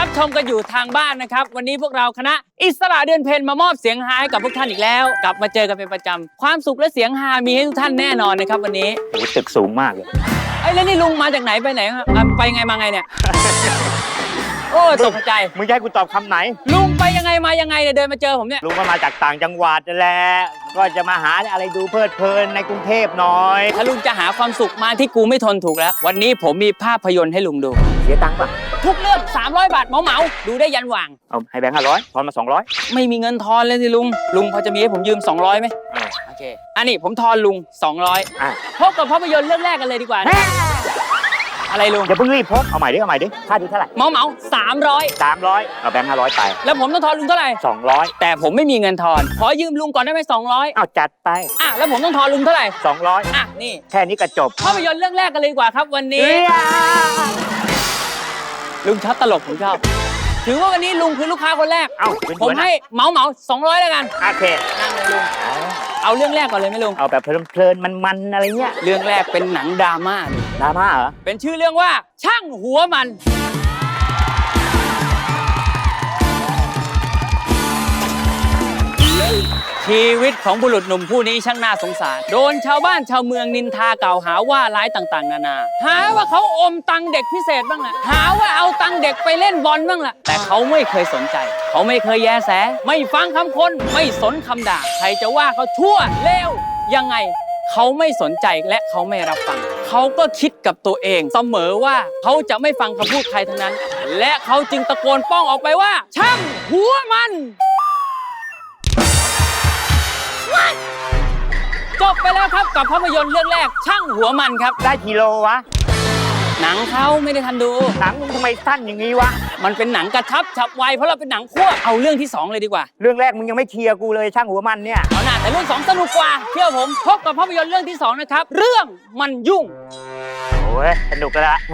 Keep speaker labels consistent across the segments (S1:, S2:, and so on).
S1: รับชมกันอยู่ทางบ้านนะครับวันนี้พวกเราคณะอิสระเดือนเพ็ญมามอบเสียงฮาให้กับพวกท่านอีกแล้วกลับมาเจอกันเป็นประจำความสุขและเสียงฮามีให้ทุกท่านแน่นอนนะครับวันนี้
S2: โอ้ตึกสูงมากเลย
S1: ไอ้แล้วนี่ลุงมาจากไหนไปไหนครับไปไงมาไงเนี่ย โอ้ตกใจ
S2: มึงจะให้กูตอบคำไหน
S1: ลุงไปยังไงมายังไงเนี่ยเดินมาเจอผมเนี่ย
S2: ลุงก็มาจากต่างจังหวัดนั่นแหละก็จะมาหาอะไรดูเพลิดเพลินในกรุงเทพหน่อย
S1: ถ้าลุงจะหาความสุขมาที่กูไม่ทนถูกแล้ว วันนี้ผมมีภาพยนตร์ให้ลุงดู
S2: เสียตังค์ป่ะ
S1: ทุกเรื่อง300 บาทเหมาดูได้ยันหว่าง
S2: เอาให้แบงค์500ทอนมา200
S1: ไม่มีเงินทอนเลยสิลุงพอจะมีให้ผมยืม200ไหมโอเคอันนี้ผมทอนลุง200พบกับภาพยนตร์เรื่องแรกกันเลยดีกว่านะอะไรลุง
S2: อย่าเพิ่งรีบพบเอาใหม่ดิค่าดูเท่าไหร่
S1: เหมา300
S2: 300เอาแบงค์500ไป
S1: แล้วผมต้องทอนลุงเท่าไหร่
S2: 200
S1: แต่ผมไม่มีเงินทอนขอยืมลุงก่อนได้ไหม200
S2: เอาจัดไป
S1: แล้วผมต้องทอนลุงเท่าไหร่
S2: 200
S1: นี่
S2: แค่นี้ก็จบ
S1: ภาพยนตร์เรื่องแรกกันเลยดีกว่าครับวันนี้ลุงชอบตลกผมชอบถือว่าวันนี้ลุงคือลูกค้าคนแรกผมให้เหมา200แล้วกัน
S2: โอเค
S1: นั่งเลยลุงเอาเรื่องแรกก่อนเลยไหมลุง
S2: เอาแบบเพลินๆมันอะไรเงี้ย
S1: เรื่องแรกเป็นหนังดราม่า
S2: เหรอ
S1: เป็นชื่อเรื่องว่าช่างหัวมันชีวิตของบุรุษหนุ่มผู้นี้ช่างน่าสงสารโดนชาวบ้านชาวเมืองนินทากล่าวหาว่าร้ายต่างๆนานาหาว่าเขาอมตังเด็กพิเศษบ้างแหละหาว่าเอาตังเด็กไปเล่นบอลบ้างแหละแต่เขาไม่เคยสนใจเขาไม่เคยแยแสไม่ฟังคำคนไม่สนคำด่าใครจะว่าเขาชั่วเลวยังไงเขาไม่สนใจและเขาไม่รับฟังเขาก็คิดกับตัวเองเสมอว่าเขาจะไม่ฟังคำพูดใครทั้งนั้นและเขาจึงตะโกนป้องออกไปว่าช่างหัวมันจบไปแล้วครับกับภาพยนตร์เรื่องแรกช่างหัวมันครับ
S2: ได้กิโลวะ
S1: หนังเขาไม่ได้ทันดู
S2: หนังมึงทำไมสั้นอย่างนี้วะ
S1: มันเป็นหนังกระชับฉับไวเพราะเราเป็นหนังคั่วเอาเรื่องที่2เลยดีกว่า
S2: เรื่องแรกมึงยังไม่เคลียร์กูเลยช่างหัวมันเนี่ย
S1: เอาหน้าแต่เรื่อง2สนุกกว่าเชื่อผมพบกับภาพยนตร์เรื่องที่2นะครับเรื่องมันยุ่ง
S2: โอ้ยสนุกละ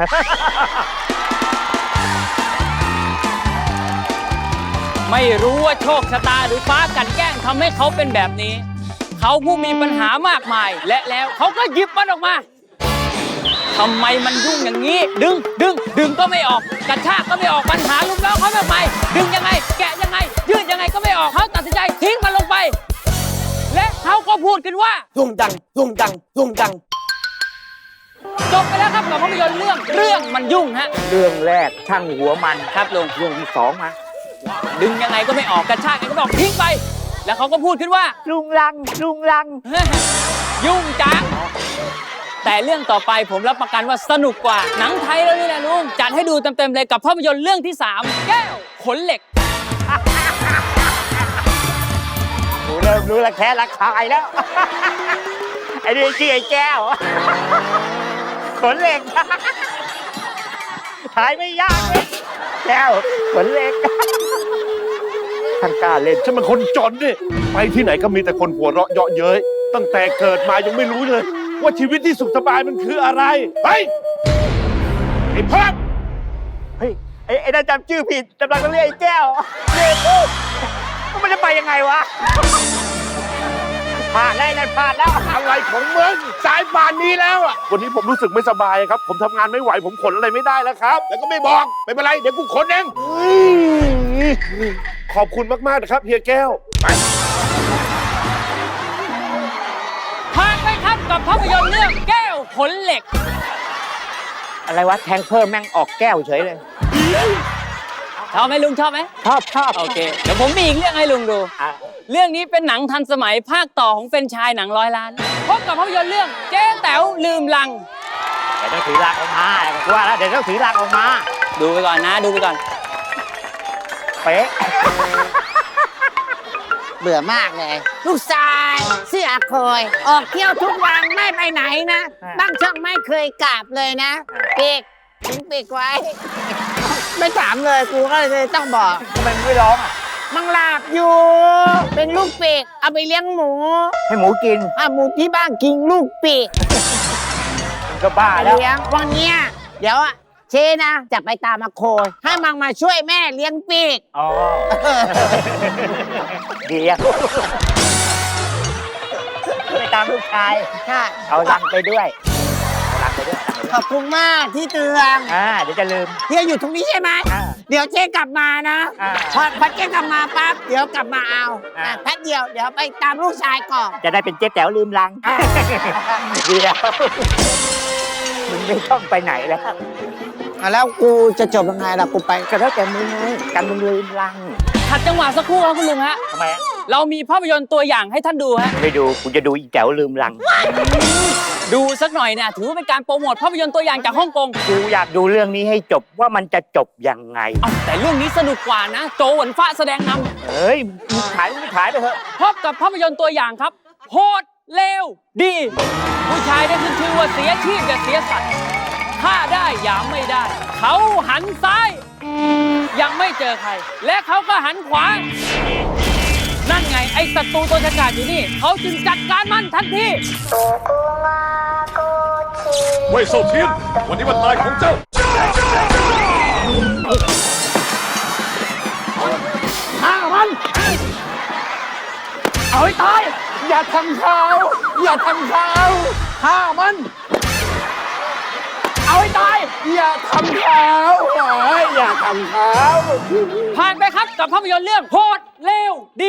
S1: ไม่รู้ว่าโชคชะตาหรือฟ้ากันแกล้งทำให้เขาเป็นแบบนี้เขาผู้มีปัญหามากมายและแล้วเขาก็หยิบมันออกมาทำไมมันยุ่งอย่างนี้ดึงก็ไม่ออกกระชากก็ไม่ออกปัญหาลุมล้อเขาแบบใหม่ดึงยังไงแกะยังไงยืดยังไงก็ไม่ออกเขาตัดสินใจทิ้งมันลงไปและเขาก็พูดกันว่า
S2: ทุ่งดัง
S1: จบไปแล้วครับกับภาพยนตร์เรื่องมันยุ่งฮะ
S2: เรื่องแรกช่างหัวมัน
S1: ครับลุง
S2: เรื่องที่2มา
S1: ดึงยังไงก็ไม่ออกกระชากยังไงก็ไม่ออกทิ้งไปแล้วเขาก็พูดขึ้นว่า
S2: ลุงลัง
S1: ยุ่งจังแต่เรื่องต่อไปผมรับประกันว่าสนุกกว่าหนังไทยแล้วนี่แหละลุงจัดให้ดูเต็มๆเลยกับภาพยนตร์เรื่องที่3แก้วขนเหล็ก
S2: กูเริ่มรู้ละแค่ละคายแล้วไอ้นี่ชื่อไอ้แก้วขนเหล็กถ่ายไม่ยากเลยแก้วขนเหล็กทางการเล่น
S3: ฉันเป็นคนจนนี่ไปที่ไหนก็มีแต่คนหัวเราะเยาะเย้ยตั้งแต่เกิดมายังไม่รู้เลยว่าชีวิตที่สุขสบายมันคืออะไรเฮ้ยไอ้พัก
S2: เฮ้ยไอ้นั่นจำชื่อผิดกำลังเรียกไอ้แก้วมันจะไปยังไงวะผ่านได้นั่นผ่านแล้ว
S3: อะไรของมึงสายป่านนี้แล้วอ่ะวันนี้ผมรู้สึกไม่สบายครับผมทำงานไม่ไหวผมขนอะไรไม่ได้แล้วครับแล้วก็ไม่บอกไม่เป็นไรเดี๋ยวกูขนเองขอบคุณมากๆนะครับเฮียแก้ว
S1: ผ่านไปครับกับภาพยนตร์เรื่องแก้วขนเหล็ก
S2: อะไรวะแทงเพิ่มแม่งออกแก้วเฉยเลย
S1: ชอบไหมลุงชอบไหม
S2: ชอบ
S1: โอเคเดี๋ยวผมมีอีกเรื่องให้ลุงดูเรื่องนี้เป็นหนังทันสมัยภาคต่อของเป็นชายหนัง100 ล้านพบกับภาพยนตร์เรื่องเจ๊แต๋วลืมลัง
S2: เดี๋ยวต้องถือลังออกมาว่าแล้วเดี๋ยวต้องถือลังออกมา
S1: ดูไปก่อนนะดูไปก่อน
S2: เป๊ะ
S4: เบื่อมากเลยลูกชายเสื้อคอยออกเที่ยวทุกวันไม่ไปไหนนะบ้างช่องไม่เคยกลับเลยนะปีกทิ้งปีกไว้ไม่ถามเลยกูก็เลยต้องบอก
S2: ทำไมไม่ร้องอ่ะ
S4: มังหลับอยู่เป็นลูกปีกเอาไปเลี้ยงหมู
S2: ให้หมูกิน
S4: หมูที่บ้านกินลูกปีก
S2: ก็บ้าแล้ว
S4: เลี้ยงวันนี้เดี๋ยวเชนะจะไปตามมาโคให้มังมาช่วยแม่เลี้ยงปีก
S2: อ๋อดีอ่ะไปตามลูกชาย
S4: ค่ะ
S2: เอาลังไปด้วย
S4: ขอบคุณมากที่เตือน
S2: เดี๋ยวจะลืม
S4: เฮียอยู่ตรงนี้ใช่ไหมเดี๋ยวเจ๊กลับมานะ
S2: อ่า
S4: พอเจ๊กลับมาปั๊บเดี๋ยวกลับมาเอา
S2: อ่า
S4: แป๊บเดียวเดี๋ยวไปตามลูกชายก่อน
S2: จะได้เป็นเจ๊แต๋วลืมลัง เดี๋ยวมึงไม่ต้องไปไหนแล้ว
S4: แล้วกูจะจบยังไงล่ะกูไป
S2: ก็แล้วแต่มึงไงกันมึงลืมลัง
S1: ขัดจังหวะสักครู่ครับคุณลุงฮะ
S2: ทำไมอะ
S1: เรามีภาพยนตร์ตัวอย่างให้ท่านดูฮะ
S2: ไม่ดูกูจะดูอีแต๋วลืมลัง
S1: ดูสักหน่อยเนี่ยถือว่าเป็นการโปรโมทภาพยนตร์ตัวอย่างจากฮ่องกง
S2: กูอยากดูเรื่องนี้ให้จบว่ามันจะจบยังไง
S1: เอ้าแต่เรื่องนี้สนุกกว่านะ โจหวนฟ้าแสดงน
S2: เฮ้ยมึงขายมึงไม่ขายไปเถอะ
S1: ำพบกับภาพยนตร์ตัวอย่างครับ โหดเลวดี ผู้ชายได้ขึ้นชื่อว่าเสียชีพอย่าเสียสัตว์ฆ่าได้อย่าไม่ได้ เขาหันซ้าย ยังไม่เจอใคร และเขาก็หันขวา นั่นไงไอ้ศัตรูตัวฉกาจอยู่นี่ เขาจึงจัดการมันทันที
S3: เว่ยเซาเทียน วันนี้วันตายของเจ้า
S1: ฆ่ามัน เอาให้ตาย อย่าทำเขาอย่าทำเขาฆ่ามัน เอาให้ตาย อย่าทำเขาอย่าทำเขาผ่านไปครับกับภาพยนตร์เรื่องโหดเลวดี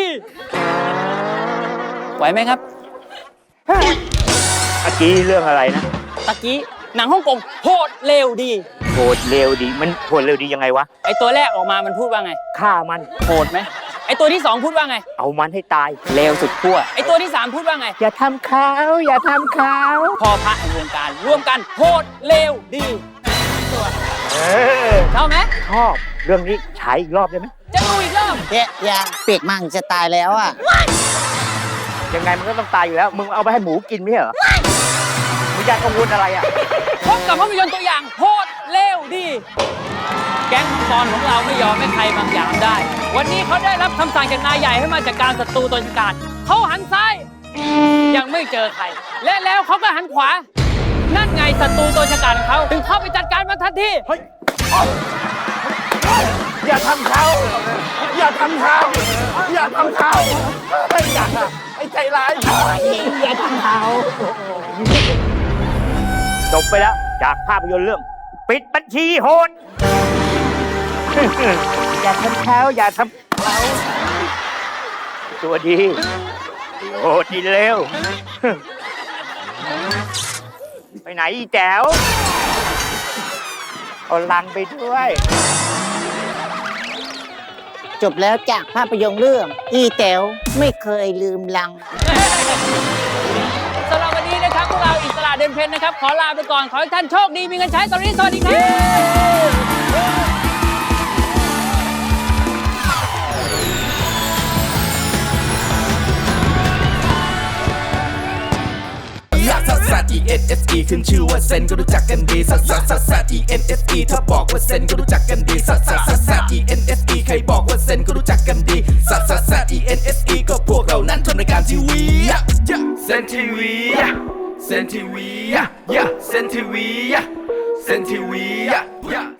S1: ไหวไหมครับ
S2: เมื่อกี้เรื่องอะไรนะ
S1: ตะกี้หนังฮ่องกงโหดเลวดี
S2: โหดเร็วดีมันโหดเร็วดียังไงวะ
S1: ไอตัวแรกออกมามันพูดว่าไง
S2: ฆ่ามัน
S1: โหดไหมไอตัวที่สองพูดว่าไง
S2: เอามันให้ตาย
S1: เลวสุดขั้วไอตัวที่สามพูดว่าไง
S2: อย่าทำเขาอย่าทำเขา
S1: พอพระแห่งวงการร่วมกันโหดเลวดีตัว
S2: เออ
S1: ชอบไหม
S2: ชอบเรื่องนี้ฉายอีกรอบได้ไหม
S1: จะดูอีกรอบ
S4: เจ๊ยังเปียกมั่งจะตายแล้วอ่ะ
S2: ยังไงมันก็ต้องตายอยู่แล้ว มึงเอาไปให้หมูกินไม่ใช่เหรอมึงอยากกังวลอะไรอ่ะ
S1: พบกับภาพยนตร์ตัวอย่างโหดเลวดี แก๊งมังกรของเราไม่ยอมให้ใครบางอย่างได้ วันนี้เขาได้รับคำสั่งจากนายใหญ่ให้มาจัดการศัตรูตัวฉกาจเขาหันซ้าย ยังไม่เจอใคร และแล้วเขาก็หันขวา นั่นไงศัตรูตัวฉกาจของเขาถึงเข้าไปจัดการมันทันที
S3: อย่าทำเขาอย่าทำเขาอย่าทำเขาอย่าไอ้ใจร้าย
S4: อย่าทำเขา
S2: จบไปแล้วจากภาพยนตร์เรื่อง ปิดบัญชีโหด อย่าทำเขาอย่าทำเขาตัวดีโหดดีเร็ว ไปไหนอีแจ๋วเอาลังไปด้วย
S4: จบแล้วจากภาพยนตร์เรื่อง อีแต๋วไม่เคยลืมลัง
S1: สำหรับวันนี้นะครับพวกเราอิสระเดินเพนนะครับ ขอลาไปก่อน ขอให้ท่านโชคดีมีเงินใช้ตอนนี้สวัสดีครับ
S5: ซัสซัส E N S E ขึ้นชื่อว่าเซนก็รู้จักกันดีซัสซัสซัสซัส E N S E ถ้าบอกว่าเซนก็รู้จักกันดีซัสซัสซัสซัส E N S E ใครบอกว่าเซนก็รู้จักกันดีซัสซัสซัส E N S E ก็พวกเรานั้นทำรายการทีวีเซนทีวีเซนทีวีเซนทีวีเซนทีวี